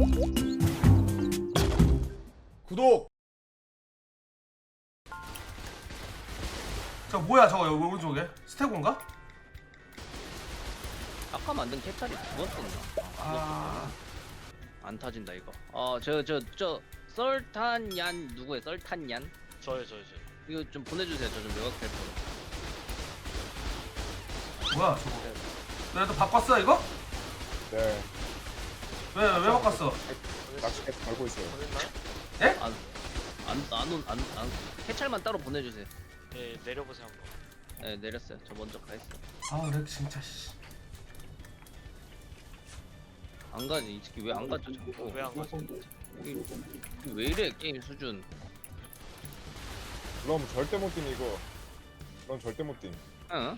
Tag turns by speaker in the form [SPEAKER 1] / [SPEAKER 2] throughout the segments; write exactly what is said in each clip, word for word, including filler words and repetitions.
[SPEAKER 1] 구독. 저 뭐야 저거 여기 오른쪽에 스테고인가?
[SPEAKER 2] 아까 만든 캐찰이 죽었었나?
[SPEAKER 1] 아,
[SPEAKER 2] 안 타진다 이거. 어 저 저 저 썰탄얀 누구예요? 썰탄얀?
[SPEAKER 3] 저요 저요 저요.
[SPEAKER 2] 이거 좀 보내주세요. 저 좀 요각될 거로.
[SPEAKER 1] 뭐야 저거? 너네도 바꿨어 이거?
[SPEAKER 4] 네,
[SPEAKER 1] 왜 왜 바꿨어?
[SPEAKER 4] 낚시까지 달고 있어요.
[SPEAKER 3] 보냈나요?
[SPEAKER 2] 안안안안 안, 캐찰만 따로 보내주세요.
[SPEAKER 3] 네 내려보세요 한번.
[SPEAKER 2] 네 내렸어요. 저 먼저 가 있어.
[SPEAKER 1] 아 렉 진짜 씨.
[SPEAKER 2] 안 가지 이 새끼 왜 안 가죠 자꾸.
[SPEAKER 3] 왜 안 가지?
[SPEAKER 2] 이게 왜 이래 게임 수준.
[SPEAKER 4] 그럼 절대 못 뛴 이거. 그럼 절대 못 뛴.
[SPEAKER 2] 응?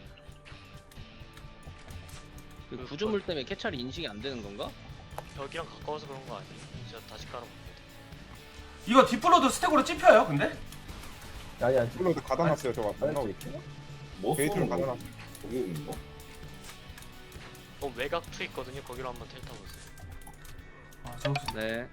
[SPEAKER 2] 그 구조물 때문에 캐찰이 인식이 안 되는 건가?
[SPEAKER 3] 벽이랑 가까워서 그런 거 아니에요? 제가 다시 깔아볼게요.
[SPEAKER 1] 이거 디플로도 스테고로 찝혀요 근데?
[SPEAKER 5] 아니 아니
[SPEAKER 4] 플로드 가다놨어요. 저거 안 나오고 있죠?
[SPEAKER 5] 뭐
[SPEAKER 4] 게이트를 가다놨어.
[SPEAKER 5] 저기인가?
[SPEAKER 3] 어 외곽 투 있거든요. 거기로 한번 텔 타보세요.
[SPEAKER 1] 아 저거
[SPEAKER 2] 네.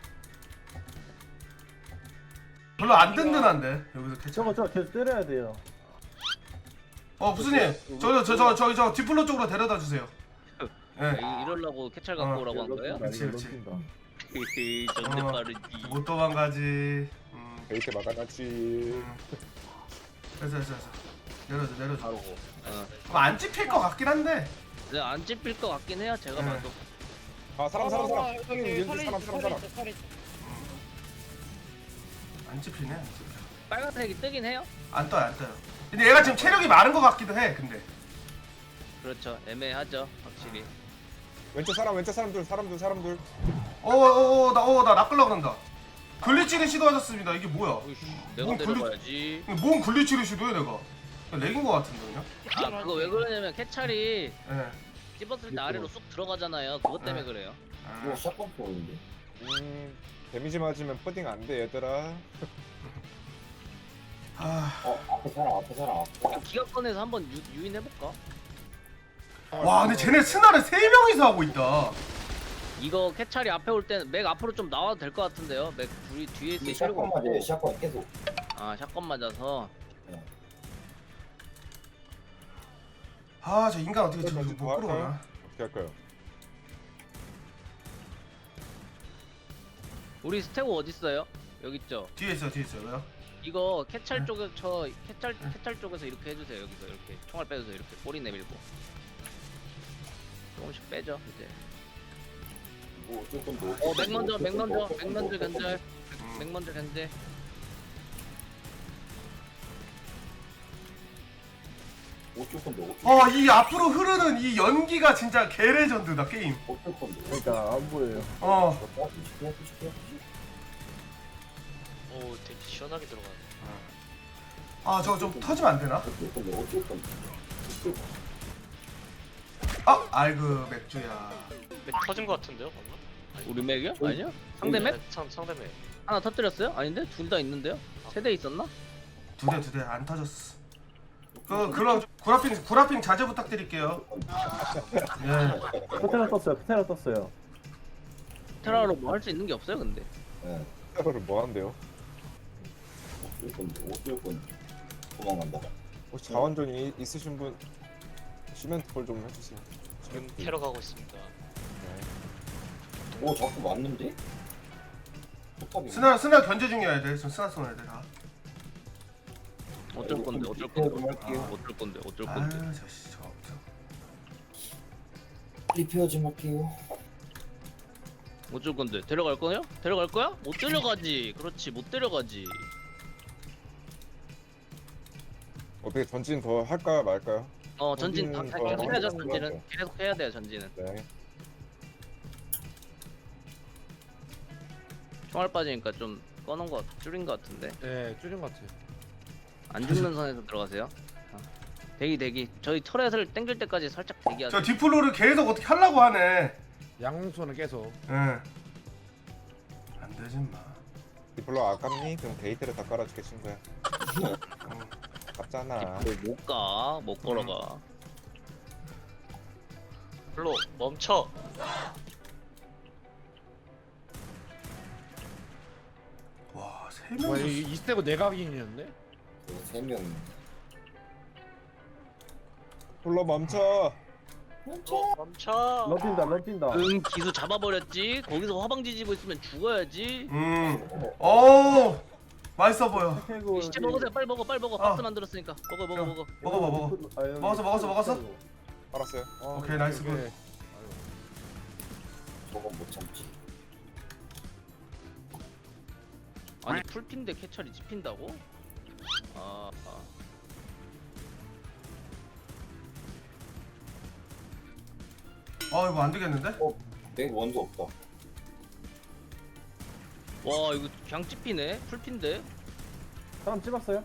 [SPEAKER 1] 별로 안 든든한데 여기서 캐치.
[SPEAKER 5] 저거 저거 계속 때려야 돼요.
[SPEAKER 1] 어 부스님 저저 저 저기 저 디플로 쪽으로 데려다 주세요. 예.
[SPEAKER 2] 이- 이러려고 캐찰 갖고
[SPEAKER 1] 어,
[SPEAKER 2] 오라고 한 거예요?
[SPEAKER 1] 그렇지, 그렇지.
[SPEAKER 2] 헤헤 전대
[SPEAKER 1] 어.
[SPEAKER 2] 빠르지.
[SPEAKER 1] 못 도망가지. 음.
[SPEAKER 4] 게이트 막아놨지.
[SPEAKER 1] 음. 됐어 됐어 됐어. 내려줘 내려줘.
[SPEAKER 2] 어.
[SPEAKER 1] 그럼 안 찝힐 것 같긴 한데.
[SPEAKER 2] 네, 안 찝힐 것 같긴 해요. 제가
[SPEAKER 1] 네.
[SPEAKER 2] 봐도.
[SPEAKER 4] 아 사람 사람 사람. 형님 왠지 사람 사람 사람.
[SPEAKER 1] 안 찝히네 안 찝혀.
[SPEAKER 2] 빨간색이 뜨긴 해요.
[SPEAKER 1] 안 떠요 안 떠요. 근데 얘가 지금 체력이 많은 것 같기도 해 근데.
[SPEAKER 2] 그렇죠. 애매하죠, 확실히.
[SPEAKER 4] 왼쪽 사람 왼쪽 사람들 사람들 사람들.
[SPEAKER 1] 어어어나어나 낚으려고 한다. 글리치를 시도하셨습니다. 이게 뭐야?
[SPEAKER 2] 어이씨, 내가
[SPEAKER 1] 뭐
[SPEAKER 2] 내려가야지.
[SPEAKER 1] 이게 뭔 글리치를 시도해 내가? 그냥 렉인 것 같은데 그냥?
[SPEAKER 2] 아 그거 왜 그러냐면 캐찰이
[SPEAKER 1] 예.
[SPEAKER 2] 찝었을 때 아래로 쑥 들어가잖아요. 그것 때문에
[SPEAKER 1] 네.
[SPEAKER 2] 그래요.
[SPEAKER 1] 아,
[SPEAKER 5] 샷건 포인데.
[SPEAKER 4] 음 데미지 맞으면 푸딩 안 돼 얘들아.
[SPEAKER 1] 아,
[SPEAKER 5] 어 앞에 사람 앞에 사람 앞에.
[SPEAKER 2] 기가 꺼내서 한번 유, 유인해볼까?
[SPEAKER 1] 와 근데 쟤네 스나를 세 명이서 하고 있다.
[SPEAKER 2] 이거 캐찰이 앞에 올 때는 맥 앞으로 좀 나와도 될 것 같은데요. 맥 둘이 뒤에 있을
[SPEAKER 5] 이
[SPEAKER 2] 필요가
[SPEAKER 5] 샷건 맞아요.
[SPEAKER 2] 없고.
[SPEAKER 5] 샷건 계속.
[SPEAKER 2] 아 샷건 맞아서.
[SPEAKER 1] 아 저 인간 어떻게 지금
[SPEAKER 4] 뭐
[SPEAKER 1] 못 끌어오나?
[SPEAKER 4] 어떻게 할까요?
[SPEAKER 2] 우리 스테고 어디 있어요? 여기 있죠.
[SPEAKER 1] 뒤에 있어 뒤에 있어 왜요?
[SPEAKER 2] 이거 캐찰
[SPEAKER 1] 네.
[SPEAKER 2] 쪽에 저 캐찰 캐찰 쪽에서 이렇게 해주세요. 여기서 이렇게 총알 빼주세요. 이렇게 꼬리 내밀고 조금씩 빼죠 이제.
[SPEAKER 5] 뭐 조금 더.
[SPEAKER 2] 어 맥 먼저 맥 먼저 맥 먼저 견제
[SPEAKER 1] 음.
[SPEAKER 2] 맥 먼저 견제.
[SPEAKER 5] 오 조금 더.
[SPEAKER 1] 어 이 앞으로 흐르는 이 연기가 진짜 개레전드다 게임.
[SPEAKER 5] 오 조금 더. 그러니까 안 보여요.
[SPEAKER 1] 어.
[SPEAKER 3] 오 되게 시원하게 들어가네.
[SPEAKER 1] 아 저거 좀 터지면 안 되나?
[SPEAKER 5] 조금 더. 조금 더.
[SPEAKER 1] 아 아이고 맥주야.
[SPEAKER 3] 맥 터진 거 같은데요 방금? 아니,
[SPEAKER 2] 우리 맥이요? 아니요? 상대 맥?
[SPEAKER 3] 네, 상 상대 맥.
[SPEAKER 2] 하나 터뜨렸어요? 아닌데? 둘 다 있는데요? 세 대 있었나?
[SPEAKER 1] 두 대 두 대 안 터졌어. 그 그럼 구라핑 구라핑 자제 부탁드릴게요. 예.
[SPEAKER 6] 포테라 떴어요. 포테라 떴어요.
[SPEAKER 2] 테라로 뭐 할 수 있는 게 없어요 근데.
[SPEAKER 5] 네.
[SPEAKER 4] 이거를 뭐 한대요?
[SPEAKER 5] 조금 더. 조금 도망간다.
[SPEAKER 4] 혹시 자원전이 있으신 분 시멘트 폴좀 해주세요.
[SPEAKER 3] 지금 테러 가고 있습니다.
[SPEAKER 4] 네.
[SPEAKER 5] 오 자꾸 맞는데? 포탑이.
[SPEAKER 1] 스나 스나 견제 중이어야 돼. 지금 스나 쏘는 애들 다.
[SPEAKER 2] 어쩔 건데 어쩔 건데 아, 어쩔 건데 어쩔 건데.
[SPEAKER 1] 아유 저씨 저 없어.
[SPEAKER 5] 리페어 좀 할게요.
[SPEAKER 2] 어쩔 건데 데려갈 거요? 데려갈 거야? 못 데려가지. 그렇지 못 데려가지.
[SPEAKER 4] 어떻게 전진 더 할까 말까요?
[SPEAKER 2] 어 전진 다
[SPEAKER 4] 전진은
[SPEAKER 2] 계속
[SPEAKER 4] 더
[SPEAKER 2] 해야죠.
[SPEAKER 4] 하는 것
[SPEAKER 2] 전진은
[SPEAKER 4] 같아요.
[SPEAKER 2] 계속 해야 돼요. 전진은.
[SPEAKER 4] 네.
[SPEAKER 2] 총알 빠지니까 좀 꺼놓은 거 줄인 거 같은데.
[SPEAKER 7] 네, 줄인 것 같아요.
[SPEAKER 2] 안 죽는 선에서 들어가세요. 어. 대기 대기. 저희 터렛을 땡길 때까지 살짝 대기하세요.
[SPEAKER 1] 저 디플로를 계속 어떻게 하려고 하네.
[SPEAKER 7] 양손은 계속.
[SPEAKER 1] 예. 안 되지 마.
[SPEAKER 4] 디플로 아깝니? 그럼 게이트를 다 깔아줄게 친구야.
[SPEAKER 1] 응.
[SPEAKER 4] 아깝잖아.
[SPEAKER 2] 못 가. 못 걸어가.
[SPEAKER 3] 블로 멈춰.
[SPEAKER 1] 세
[SPEAKER 7] 와,
[SPEAKER 1] 명.
[SPEAKER 7] 이, 이 스택은 내각인이었네?
[SPEAKER 5] 세 명.
[SPEAKER 4] 폴로 멈춰.
[SPEAKER 3] 어, 멈춰.
[SPEAKER 6] 런뛴다 런뛴다.
[SPEAKER 2] 응 기수 잡아버렸지. 거기서 화방 지지고 있으면 죽어야지.
[SPEAKER 1] 음. 오. 맛있어 보여.
[SPEAKER 6] 태그
[SPEAKER 2] 시체 먹으세요. 빨리 먹어 빨리 먹어.
[SPEAKER 1] 어.
[SPEAKER 2] 박스 만들었으니까 먹어 먹어 먹어.
[SPEAKER 1] 먹어봐 먹어. 먹었어, 먹었어, 먹었어?
[SPEAKER 4] 알았어요.
[SPEAKER 1] 오케이, 나이스 굿.
[SPEAKER 7] 오케이.
[SPEAKER 5] 저건 못 참지.
[SPEAKER 2] 아니 풀핀데 캐찰이 찝힌다고? 아, 아.
[SPEAKER 1] 아 이거 안 되겠는데?
[SPEAKER 5] 내 원도 없다.
[SPEAKER 2] 와 이거 그냥 찝히네. 풀핀데.
[SPEAKER 6] 사람 찍었어요?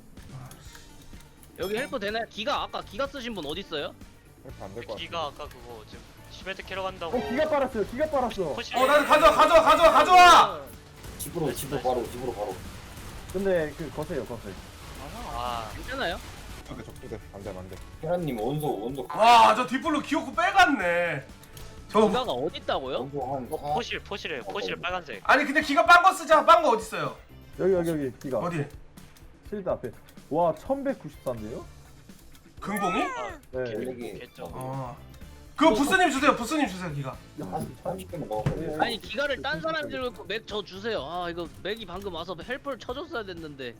[SPEAKER 2] 여기 헬퍼 되나요? 기가 아까 기가 쓰신 분 어디 있어요?
[SPEAKER 4] 이렇게 안될 것 같아.
[SPEAKER 3] 기가 아까 그거 지금 시멘트 캐러 간다고.
[SPEAKER 6] 어 기가 빨았어요. 기가 빨았어.
[SPEAKER 3] 포시.
[SPEAKER 1] 어, 나 가져와, 가져와, 가져와, 가져와.
[SPEAKER 5] 집으로 집으로 바로 집으로 바로.
[SPEAKER 6] 근데 그 거세요 거세.
[SPEAKER 3] 아,
[SPEAKER 2] 괜찮아요?
[SPEAKER 4] 적대 적대 안돼 안돼.
[SPEAKER 5] 계란님 원소 원소.
[SPEAKER 1] 와, 저 뒷불로 기어코 빼갔네. 저
[SPEAKER 2] 기가가 어디 있다고요?
[SPEAKER 5] 원소 한
[SPEAKER 3] 어,
[SPEAKER 5] 사.
[SPEAKER 3] 포실 포실이에요. 포실 빨간색.
[SPEAKER 1] 아니 근데 기가 빤 거 쓰자. 빤 거 어디 있어요?
[SPEAKER 6] 여기 여기 여기 기가.
[SPEAKER 1] 어디?
[SPEAKER 6] 실드 앞에. 와 천백구십사인데요?
[SPEAKER 1] 금봉이?
[SPEAKER 3] 아,
[SPEAKER 6] 네.
[SPEAKER 5] 여기.
[SPEAKER 3] 개죠.
[SPEAKER 1] 어. 그거 부스님 주세요. 부스님 주세요. 기가.
[SPEAKER 5] 한 삼십 개만 넣어버려.
[SPEAKER 2] 아니 기가를 딴 사람이 들고 있고 맥 저 주세요. 아 이거 맥이 방금 와서 헬퍼를 쳐줬어야 됐는데.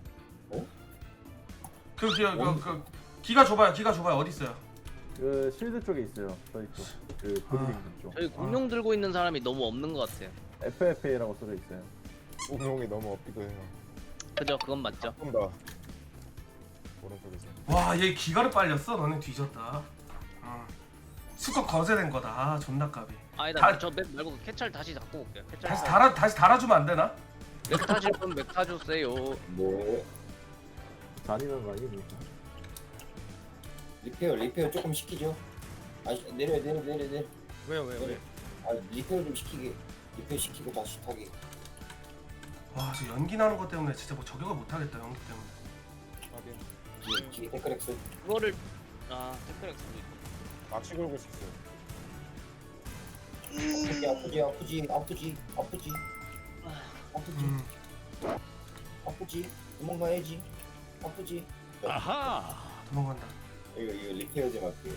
[SPEAKER 1] 그 기가 그, 그 기가 줘봐요. 기가 줘봐요. 어디 있어요?
[SPEAKER 6] 그 실드 쪽에 있어요. 저희 쪽. 그 브리딩 쪽.
[SPEAKER 2] 저희 공룡 들고 있는 사람이 너무 없는 것 같아요.
[SPEAKER 6] 에프에프에이라고 써져 있어요.
[SPEAKER 4] 공룡이 너무 없기도 해요.
[SPEAKER 2] 그죠? 그건 맞죠.
[SPEAKER 4] 조금 더 오른쪽에서.
[SPEAKER 1] 와, 얘 기가를 빨렸어. 너네 뒤졌다. 어. 수컷 거세된 거다. 아, 존나 까비.
[SPEAKER 2] 아니다
[SPEAKER 1] 다-
[SPEAKER 2] 저 맥 말고 캐찰 다시 갖고 올게요. 캐찰
[SPEAKER 1] 다시 달아 다시 달아주면 안 되나?
[SPEAKER 2] 맥 타실 분맥 타주세요.
[SPEAKER 5] 네.
[SPEAKER 6] 잔인한 거 아닙니까?
[SPEAKER 5] 리페어 리페어 조금 시키죠. 아 내려 내려 내려 내려.
[SPEAKER 7] 왜요 왜요 왜?
[SPEAKER 5] 아 리페어 좀 시키게. 리페어 시키고 다시 타게.
[SPEAKER 1] 와, 저 연기 나는 것 때문에 진짜 뭐 저격을 못 하겠다. 연기 때문에.
[SPEAKER 4] 확인.
[SPEAKER 5] 뒤에 뒤에 데크렉스.
[SPEAKER 2] 그거를 아 테크렉 쓰고 있고.
[SPEAKER 4] 낚시 걸고 싶어요.
[SPEAKER 5] 아프지 아프지 아프지 아프지 아프지 아프지
[SPEAKER 1] 음.
[SPEAKER 5] 아프지 도망가야지 아프지.
[SPEAKER 1] 도망간다.
[SPEAKER 5] 이거 이거 리페어 좀 할게요.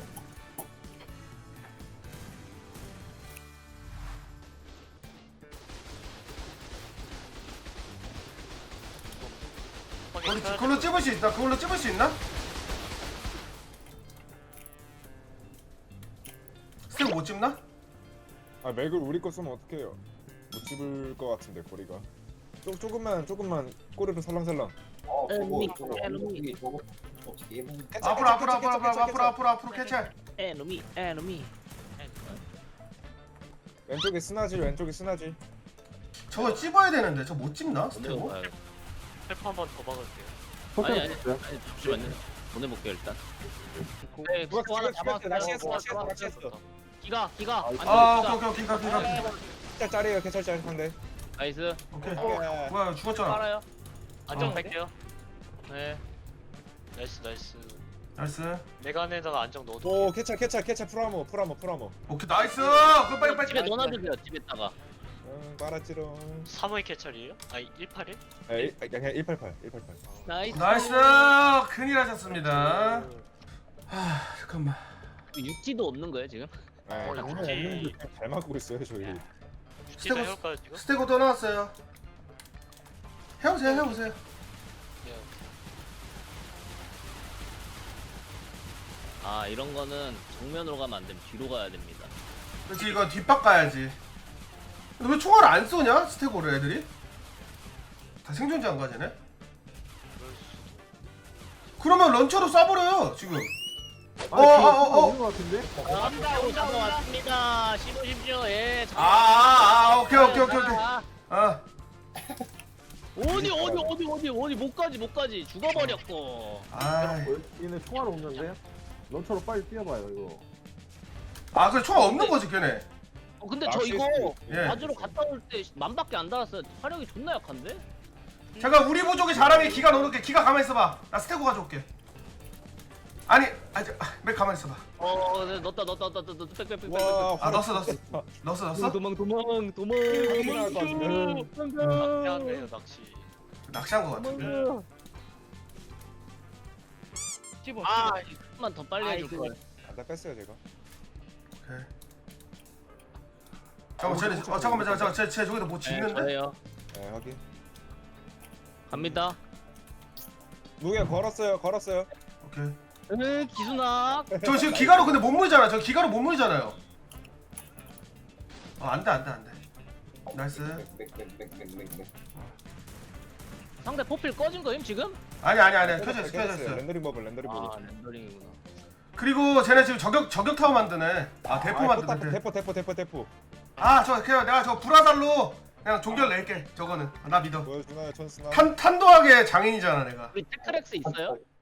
[SPEAKER 3] 확인.
[SPEAKER 1] 우리 그걸로 찝을 수 있나? 그걸로 찝을 수 있나? 스텝 못 찝나?
[SPEAKER 4] 아 맥을 우리 거 쓰면 어떡해요? 못 집을 것 같은데 거리가. 조, 조금만 조금만 꼬리로 살랑살랑.
[SPEAKER 5] 아 저거
[SPEAKER 2] 에너미,
[SPEAKER 5] 저거
[SPEAKER 2] 에너미.
[SPEAKER 5] 어떻게 저거 어떻게 해보니.
[SPEAKER 1] 앞으로 앞으로 앞으로 앞으로 앞으로 앞으로 앞으로 캐찰.
[SPEAKER 2] 에노미 에노미.
[SPEAKER 4] 왼쪽에 스나질 왼쪽에 스나질.
[SPEAKER 1] 저거 찝어야 되는데 저 못 찝나? 스텝?
[SPEAKER 2] 어디로 가요?
[SPEAKER 3] 헬프 한번 더 박을게요.
[SPEAKER 2] 아니 아니
[SPEAKER 6] 포켓
[SPEAKER 2] 아니 잠시만요. 보내볼게요 일단. 네,
[SPEAKER 4] 누가
[SPEAKER 2] 스코 하나
[SPEAKER 4] 기가
[SPEAKER 2] 잡았어요.
[SPEAKER 4] 낚시했어,
[SPEAKER 2] 어,
[SPEAKER 4] 낚시했어,
[SPEAKER 2] 잡았어요.
[SPEAKER 4] 낚시했어.
[SPEAKER 2] 기가 기가.
[SPEAKER 6] 아,
[SPEAKER 2] 안쪽
[SPEAKER 1] 아,
[SPEAKER 2] 기가.
[SPEAKER 1] 오케이 오케이 기가 기가. 기가.
[SPEAKER 4] 캐찰 짤이에요 캐찰 짤 상대.
[SPEAKER 2] 나이스.
[SPEAKER 1] 오케이.
[SPEAKER 4] 어.
[SPEAKER 1] 뭐야 죽었잖아.
[SPEAKER 2] 빨아요.
[SPEAKER 3] 안정
[SPEAKER 1] 어.
[SPEAKER 3] 뺄게요. 네. 나이스 나이스.
[SPEAKER 1] 나이스.
[SPEAKER 3] 내간에다가 안정 넣어도.
[SPEAKER 4] 오 캐찰 캐찰 캐찰 풀아모 풀아모 풀아모.
[SPEAKER 1] 오케이 나이스. 그럼 빨리 빨리.
[SPEAKER 2] 집에 넣어놔주세요. 집에다가.
[SPEAKER 4] 응 빨았지롱.
[SPEAKER 3] 삼 의 캐찰이에요? 아니 일팔일?
[SPEAKER 4] 에 그냥 일팔팔 일팔팔.
[SPEAKER 2] 나이스.
[SPEAKER 1] 나이스. 큰일 하셨습니다. 하 잠깐만.
[SPEAKER 2] 유티도 없는 거예요 지금?
[SPEAKER 4] 네,
[SPEAKER 3] 어,
[SPEAKER 4] 장난
[SPEAKER 3] 역시.
[SPEAKER 4] 없는데 잘 막고 있어요 저희.
[SPEAKER 3] 유티도
[SPEAKER 1] 스테고-
[SPEAKER 3] 해올까요 지금?
[SPEAKER 1] 스테고 또 나왔어요. 해보세요 해보세요.
[SPEAKER 3] 네.
[SPEAKER 2] 아 이런 거는 정면으로 가면 안 됩니다. 뒤로 가야 됩니다.
[SPEAKER 1] 그렇지 이거 뒷박 가야지. 근데 왜 총알을 안 쏘냐 스테고를 애들이? 다 생존자 안 가지네?
[SPEAKER 3] 그럴 수도.
[SPEAKER 1] 그러면 런처로 쏴버려요 지금.
[SPEAKER 6] 아, 어,
[SPEAKER 1] 어,
[SPEAKER 6] 어,
[SPEAKER 1] 어, 어.
[SPEAKER 6] 있는 것 같은데?
[SPEAKER 2] 온다 온다 왔습니다. 씹으십시오. 예.
[SPEAKER 1] 아, 아, 아 오케이 오케이 오케이 오케이.
[SPEAKER 2] 아,
[SPEAKER 1] 아
[SPEAKER 2] 어디 어디 어디 어디 어디 못 가지 못 가지 죽어버렸고.
[SPEAKER 1] 아,
[SPEAKER 6] 어, 얘네 총알 없는데? 런처로 빨리 뛰어봐요 이거.
[SPEAKER 1] 아 그래 총 없는 거지 걔네.
[SPEAKER 2] 어, 근데 저
[SPEAKER 4] 낚시
[SPEAKER 2] 이거
[SPEAKER 1] 예.
[SPEAKER 2] 바주로 갔다 올 때 만밖에 안 달았어요. 화력이 존나 약한데?
[SPEAKER 1] 잠깐 우리 부족의 자랑에 기가 넣어놓게. 기가 가만히 있어봐. 나 스테고 가져올게. 아니, 아니, 맥 가만히 있어봐.
[SPEAKER 2] 어, 네, 넣었다 넣었다 넣었다 넣었다 빽빽빽빽.
[SPEAKER 4] 와
[SPEAKER 1] 아 넣었어 넣었어. 넣었어 넣었어.
[SPEAKER 2] 도망 도망 도망.
[SPEAKER 4] 확인할 것 같은데.
[SPEAKER 3] 낚시하네요 낚시.
[SPEAKER 1] 낚시한 거 같은데.
[SPEAKER 7] 찝어
[SPEAKER 3] 아
[SPEAKER 2] 조금만 더 빨리 해줄
[SPEAKER 7] 아이고.
[SPEAKER 2] 걸.
[SPEAKER 4] 안다 뺐어요 제가.
[SPEAKER 1] 오케이. 잠깐만 쟤네 어 잠깐만 잠깐만 쟤, 쟤 저기다 뭐
[SPEAKER 2] 네,
[SPEAKER 1] 짓는데?
[SPEAKER 2] 저예요.
[SPEAKER 4] 네 확인.
[SPEAKER 2] 갑니다.
[SPEAKER 4] 무게 걸었어요 걸었어요.
[SPEAKER 1] 오케이.
[SPEAKER 2] 으 기순아.
[SPEAKER 1] 저 지금 기가로 근데 못 물잖아. 저 기가로 못 물잖아요. 어 안돼 안돼 안돼. 나이스.
[SPEAKER 5] 맥맥맥맥맥맥.
[SPEAKER 2] 상대 포필 꺼진 거임 지금?
[SPEAKER 1] 아니 아니 아니 켜져 있어
[SPEAKER 4] 켜졌어요.
[SPEAKER 1] 켜져 있어.
[SPEAKER 4] 렌더링 버블 렌더링 버블.
[SPEAKER 2] 아 렌더링이구나.
[SPEAKER 1] 그리고 쟤네 지금 저격 저격 타워 만드네. 아 대포
[SPEAKER 4] 아,
[SPEAKER 1] 만드네.
[SPEAKER 4] 대포 대포 대포 대포.
[SPEAKER 1] 아저 그냥 내가 저 불화살로 그냥 종결 낼게. 저거는 나 믿어.
[SPEAKER 4] 보여주나요 천스나?
[SPEAKER 1] 탄 탄도하게 장인이잖아 내가.
[SPEAKER 2] 우리 테크렉스 있어요?